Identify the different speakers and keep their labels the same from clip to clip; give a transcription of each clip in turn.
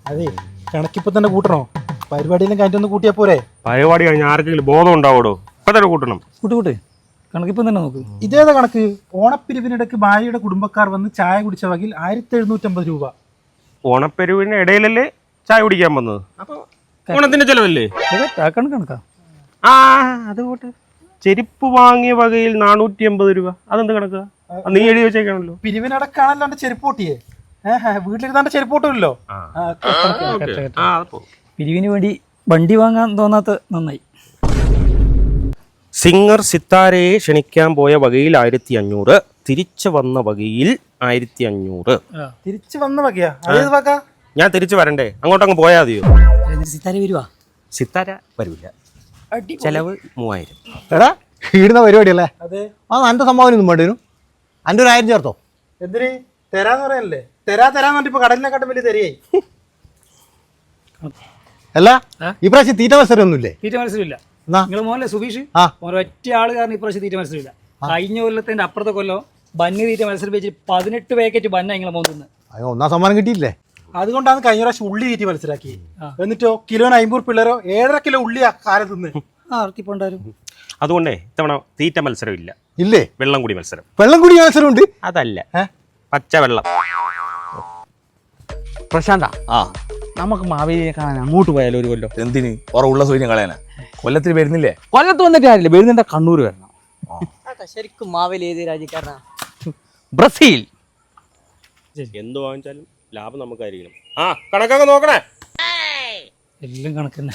Speaker 1: അതെ കണക്കിപ്പോ തന്നെ കൂട്ടണോ? പരിപാടിയെല്ലാം കഴിഞ്ഞൊന്ന് കൂട്ടിയാ പോരെ?
Speaker 2: പരിപാടി കഴിഞ്ഞ ആർക്കെങ്കിലും ബോധം ഉണ്ടാവൂടോ? ഇപ്പൊ തന്നെ കൂട്ടണം.
Speaker 3: കൂട്ട് കണക്കിപ്പം തന്നെ നോക്ക്.
Speaker 1: ഇതേതാ കണക്ക്? ഓണപ്പിരിവിനിടയ്ക്ക് ഭാര്യയുടെ കുടുംബക്കാർ വന്ന് ചായ കുടിച്ച വകയിൽ 1750 രൂപ.
Speaker 2: ഓണപ്പെരുവിന് ഇടയിലല്ലേ ചായ കുടിക്കാൻ വന്നത്? അപ്പൊ ഓണത്തിന്റെ ചെലവല്ലേ?
Speaker 3: കണക്കാ.
Speaker 2: ആ അതുകൊണ്ട് ചെരുപ്പ് വാങ്ങിയ വകയിൽ 450 രൂപ. അതെന്ത് കണക്കാ? നീ എഴുതി വെച്ചേക്കാണല്ലോ.
Speaker 1: പിരിവിനടക്കാണല്ലോ എന്റെ ചെരുപ്പ് പൊട്ടിയേ. വീട്ടിലിരുന്നാണ്ട് ചെരുപ്പ് പൊട്ടുമല്ലോ.
Speaker 3: പിരിവിന് വേണ്ടി വണ്ടി വാങ്ങാൻ തോന്നാത്ത നന്നായി.
Speaker 2: സിംഗർ സിത്താരയെ ക്ഷണിക്കാൻ പോയ വകയിൽ 1500, തിരിച്ചു വന്ന വകയിൽ 1500.
Speaker 1: തിരിച്ചു വന്ന വകയാ? അതേത് വക?
Speaker 2: ഞാൻ തിരിച്ചു വരണ്ടേ? അങ്ങോട്ടങ്ങ് പോയാൽ മതിയോ?
Speaker 3: സിത്താര വരുവാ?
Speaker 2: സിത്താര വരില്ല. ചെലവ് 3000.
Speaker 4: എടാ ഇടുന്ന പരിപാടിയല്ലേ?
Speaker 1: അതെ.
Speaker 4: ആ എന്റെ സംഭാവന ഒന്നും വേണ്ടി വരും. എൻ്റെ 1000 ചേർത്തോ.
Speaker 1: എന്തിന്? തരാന്ന് പറയല്ലേ? തരാന്ന് പറഞ്ഞിട്ട് ഇപ്പൊ കടലിനെക്കാട്ടും വലിയ തരിയായി.
Speaker 4: അല്ല ഇപ്രാവശ്യം തീറ്റ മത്സരം ഒന്നുമില്ലേ?
Speaker 3: തീറ്റ മത്സരമില്ല.
Speaker 4: എന്നാ
Speaker 3: നിങ്ങള് മോനല്ലേ സുബീഷ്? ഒറ്റ ആള് കാരണം ഇപ്രാവശ്യം തീറ്റ മത്സരമില്ല. കഴിഞ്ഞ കൊല്ലത്തിന്റെ അപ്പുറത്തെ കൊല്ലം ബന്ന് തീറ്റ മത്സരം വെച്ച് 18 പാക്കറ്റ് ബന്ന നിങ്ങളെ മോന്ന്.
Speaker 4: അയ്യോ ഒന്നാം സമ്മാനം കിട്ടിയില്ലേ?
Speaker 1: അതുകൊണ്ടാണ് കഴിഞ്ഞ പ്രാവശ്യം ഉള്ളി തീറ്റി മത്സരാക്കി. എന്നിട്ടോ കിലോന് 50 പിള്ളേരോ 1.5 കിലോ ഉള്ളി ആ കാലത്ത് നിന്ന്
Speaker 2: അതുകൊണ്ടേ ഇത്തവണ തീറ്റ മത്സരം ഇല്ല.
Speaker 4: ഇല്ലേ?
Speaker 2: വെള്ളം കൂടി മത്സരം.
Speaker 4: വെള്ളം കൂടി മത്സരം ഉണ്ട്.
Speaker 2: അതല്ല, പച്ചവെള്ളം.
Speaker 5: പ്രശാന്ത, നമുക്ക് മാവേലിയെ കാണാൻ അങ്ങോട്ട് പോയാലോ ഒരു കൊല്ലം?
Speaker 6: എന്തിന്? ഉള്ള സൂര്യം കളയാനാ? കൊല്ലത്തിൽ വരുന്നില്ലേ?
Speaker 5: കൊല്ലത്ത് വന്നിട്ട് കാര്യമില്ല, വരുന്നുണ്ട് കണ്ണൂർ വരണം.
Speaker 7: ശരിക്കും മാവേലി ഏത് രാജ്യക്കാരനാ?
Speaker 5: ബ്രസീൽ.
Speaker 2: എന്ത് വാങ്ങിച്ചാലും ലാഭം നമുക്കായിരിക്കണം. കണക്കൊക്കെ നോക്കണേ.
Speaker 3: എല്ലാം കണക്കന്നെ.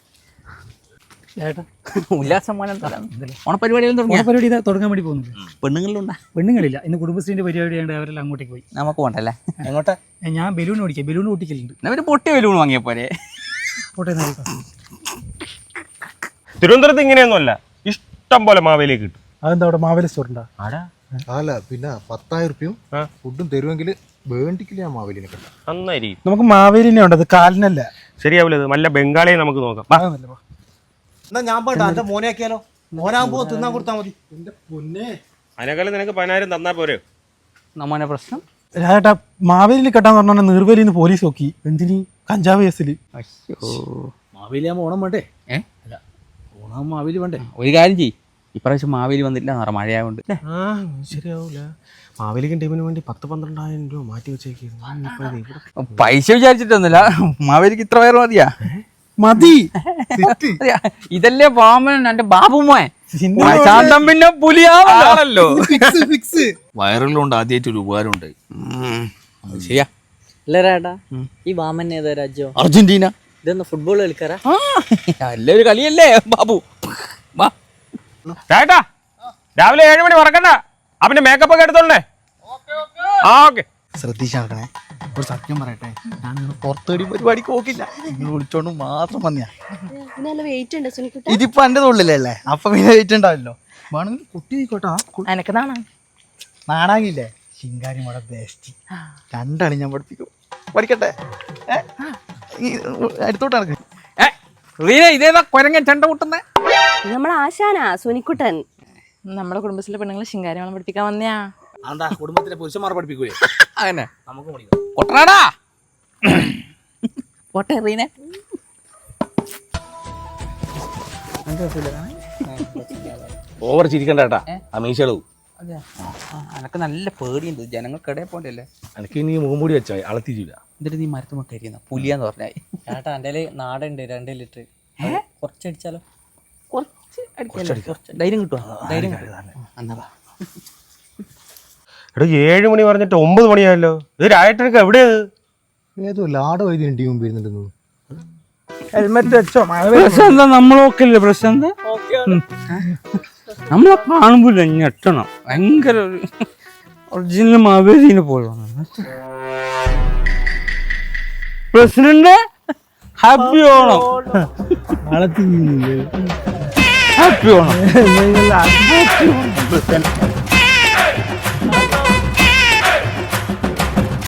Speaker 5: ഓണപരിപാടികളും
Speaker 3: പരിപാടി തുടങ്ങാൻ വേണ്ടി പോകുന്നില്ല.
Speaker 5: പെണ്ണുങ്ങളിലുണ്ടാ?
Speaker 3: പെണ്ണുങ്ങളില്ല. ഇന്ന് കുടുംബശ്രീന്റെ പരിപാടി ആയതുകൊണ്ട് അവരെല്ലാം അങ്ങോട്ടേക്ക് പോയി.
Speaker 5: നമുക്ക് പോണ്ടല്ലേ? എങ്ങോട്ടാ?
Speaker 3: ഞാൻ ബലൂൺ ഓടിക്കാം. ബലൂൺ പൊട്ടിക്കലുണ്ട്.
Speaker 5: അവര് പൊട്ടിയ ബലൂൺ വാങ്ങിയ പോലെ.
Speaker 3: പോട്ടെ.
Speaker 2: തിരുവനന്തപുരത്ത് ഇങ്ങനെയൊന്നുമല്ല, ഇഷ്ടം പോലെ മാവേലി കിട്ടും.
Speaker 1: അതെന്താ അവിടെ മാവേലി സ്റ്റോർ ഉണ്ടാ?
Speaker 4: അല്ല പിന്നെ 10,000 രൂപയും ഫുഡും തരുമെങ്കിൽ വേണ്ടിക്കില്ല ഞാൻ മാവേലിനെ കണ്ട.
Speaker 2: നന്നായിരിക്കും.
Speaker 1: നമുക്ക് മാവേലിനെ ഉണ്ടത്, കാലിനല്ല.
Speaker 2: ശരിയാവില്ല. നല്ല ബംഗാളിയെ നമുക്ക് നോക്കാം.
Speaker 4: എന്നാ ഞാൻ പോട്ടെ, എന്റെ മോനെ ആക്കിയാലോ? മോനാകുമ്പോ തിന്നാൻ കൊടുത്താൽ മതി.
Speaker 1: എന്റെ പൊന്നെ,
Speaker 2: അതിനേക്കാളും നിനക്ക് 10,000 തന്നാ പോരെ?
Speaker 5: നമ്മനെ പ്രശ്നം
Speaker 1: രാജേട്ടാ, മാവേലി കെട്ടാന്ന് പറഞ്ഞാൽ നിർവേലിന്ന് പോലീസ് നോക്കി. എന്തിന്? കഞ്ചാവ് കേസില്.
Speaker 3: മാവേലി ആകുമ്പോൾ ഓണം വേണ്ടേ? അല്ല, ഓണം മാവേലി വേണ്ടേ?
Speaker 5: ഒരു കാര്യം ചെയ്യ്, ഇപ്രാവശ്യം മാവേലി വന്നില്ല എന്ന് പറഞ്ഞ മഴയായോണ്ട്
Speaker 2: ശരിയാവൂല. മാവേലിക്കും ടീമിന് വേണ്ടി 10-12,000 രൂപ മാറ്റി വെച്ചേക്കുന്നു.
Speaker 5: പൈസ വിചാരിച്ചിട്ടൊന്നുമില്ല, മാവേലിക്ക് ഇത്ര പേർ മതിയാ?
Speaker 1: മതി.
Speaker 5: ഇതല്ലേ വാമൻ, എന്റെ ബാബുമോൻ. ശാന്തം പിന്നെ പുലിയാണല്ലോ.
Speaker 6: വയറിലുണ്ട് ആദ്യമായിട്ട് ഒരു ഉപകാരം ഉണ്ടായി.
Speaker 5: ശരിയാ.
Speaker 7: അല്ലേടാ, ഈ വാമൻ ഏതാ രാജ്യം?
Speaker 5: അർജന്റീന.
Speaker 7: ഇതൊന്ന് ഫുട്ബോൾ കളിക്കാറാ?
Speaker 5: അല്ലേ ഒരു കളിയല്ലേ ബാബു.
Speaker 2: ചേട്ടാ, രാവിലെ 7 മണി മറക്കണ്ട. അവന്റെ മേക്കപ്പ് ഒക്കെ എടുത്തോണ്ടേ. ഓക്കെ.
Speaker 4: ശ്രദ്ധിച്ചാക്കണേ. ഒരു സത്യം പറയട്ടെ, ഞാൻ പുറത്തേടി പരിപാടിക്ക് നോക്കില്ല. നിങ്ങൾ വിളിച്ചോണ്ട് മാത്രം വന്നിയാ. ഇതിപ്പോ എന്റെ തൊള്ളിലല്ലേ, അപ്പൊ പിന്നെ വെയിറ്റ് ഉണ്ടാവില്ലോ. വേണമെങ്കിൽ കുട്ടി ആയിക്കോട്ടാ.
Speaker 7: എനക്ക്
Speaker 4: നാണാങ്ങില്ലേ? ശിങ്കാരി മോടെ ബെസ്റ്റ്. 2 അണി ഞാൻ പഠിപ്പിക്കും. പഠിക്കട്ടെ? അടുത്തോട്ട്
Speaker 5: ഇതേതാ കൊരങ്ങൻ ചെണ്ട കൂട്ടുന്നേ?
Speaker 8: നമ്മളെ ആശാനാ സുനിക്കുട്ടൻ.
Speaker 7: നമ്മുടെ കുടുംബത്തിലെ പെണ്ണുങ്ങളെ ശിങ്കാരിമണം പഠിപ്പിക്കാൻ വന്നയാ.
Speaker 5: എന്താ കുടുംബത്തിലെ പുരുഷന്മാർ പഠിപ്പിക്കൂലേ? അങ്ങനെ നമുക്ക് കൊട്ടനാടാ.
Speaker 7: പോട്ടെ റീനെ.
Speaker 6: ഓവർ ചിരിക്കണ്ട കേട്ടാ, അമീഷളവും.
Speaker 5: എനക്ക് നല്ല പേടിയുണ്ട്, ജനങ്ങൾക്കിടയിൽ പോണ്ടല്ലേ.
Speaker 6: എനിക്ക് ഇനി മുഖംമൂടി വെച്ചാ അളത്തിരില്ല.
Speaker 5: എന്നിട്ട് നീ മരത്തുമൊക്കെ അരിയുന്ന പുലിയാന്ന് പറഞ്ഞാൽ.
Speaker 7: ചേട്ടാ എൻ്റെ നാടുണ്ട് 2 ലിറ്റർ. കുറച്ചടിച്ചാലോ?
Speaker 5: കുറച്ച് ധൈര്യം കിട്ടുവാ? ധൈര്യം എന്നാ
Speaker 2: എടാ, 7 മണി പറഞ്ഞിട്ട് 9 മണിയായല്ലോ. ഇത് രായട്ടനൊക്കെ എവിടെയാ?
Speaker 4: ഏതോ ലാടോ എഴുതി ടീം വരുന്നുണ്ടെന്ന്.
Speaker 1: ഹെൽമെറ്റ് വെച്ചോ?
Speaker 3: പ്രശ്നം നമ്മളൊക്കെ പ്രശ്നം നമ്മളെ കാണുമ്പോൾ ഞെട്ടണം. ഭയങ്കര ഒറിജിനൽ മാവേലിനെ പോലെ. President happy Onam. Happy Onam.